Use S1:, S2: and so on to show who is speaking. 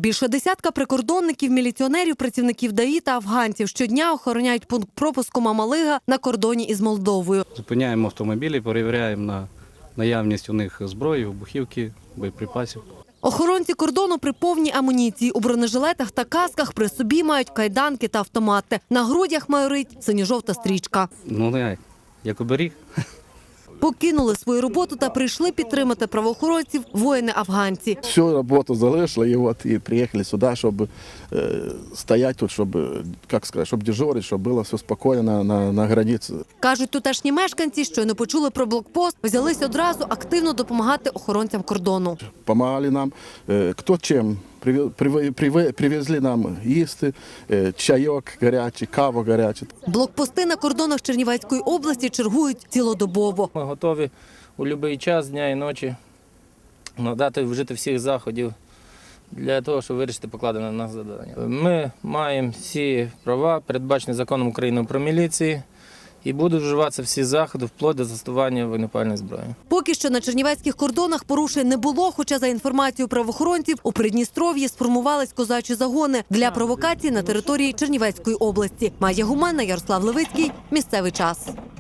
S1: Більше десятка прикордонників, міліціонерів, працівників ДАІ та афганців щодня охороняють пункт пропуску Мамалига на кордоні із Молдовою.
S2: Зупиняємо автомобілі, перевіряємо на наявність у них зброї, вибухівки, боєприпасів.
S1: Охоронці кордону при повній амуніції. У бронежилетах та касках при собі мають кайданки та автомати. На грудях майорить синьо-жовта стрічка.
S2: Ну, як оберіг.
S1: Покинули свою роботу та прийшли підтримати правоохоронців воїни-афганці.
S3: Всю роботу залишили і приїхали сюди, щоб стояти тут, щоб дежурити, щоб було все спокійно на границі.
S1: Кажуть, тутешні мешканці, щойно почули про блокпост, взялись одразу активно допомагати охоронцям кордону.
S3: Помагали нам, хто чим. Привезли нам їсти, чайок гарячий, каву гарячу.
S1: Блокпости на кордонах Чернівецької області чергують цілодобово.
S4: Ми готові у будь-який час, дня і ночі, надати, вжити всіх заходів для того, щоб вирішити покладене на нас завдання. Ми маємо всі права, передбачені законом України про міліцію, і будуть вживатися всі заходи вплоть до застосування вогнепальної зброї.
S1: Поки що на чернівецьких кордонах порушень не було, хоча за інформацією правоохоронців у Придністров'ї сформувались козачі загони для провокацій на території Чернівецької області. Майя Гуманна, Ярослав Левицький. Місцевий час.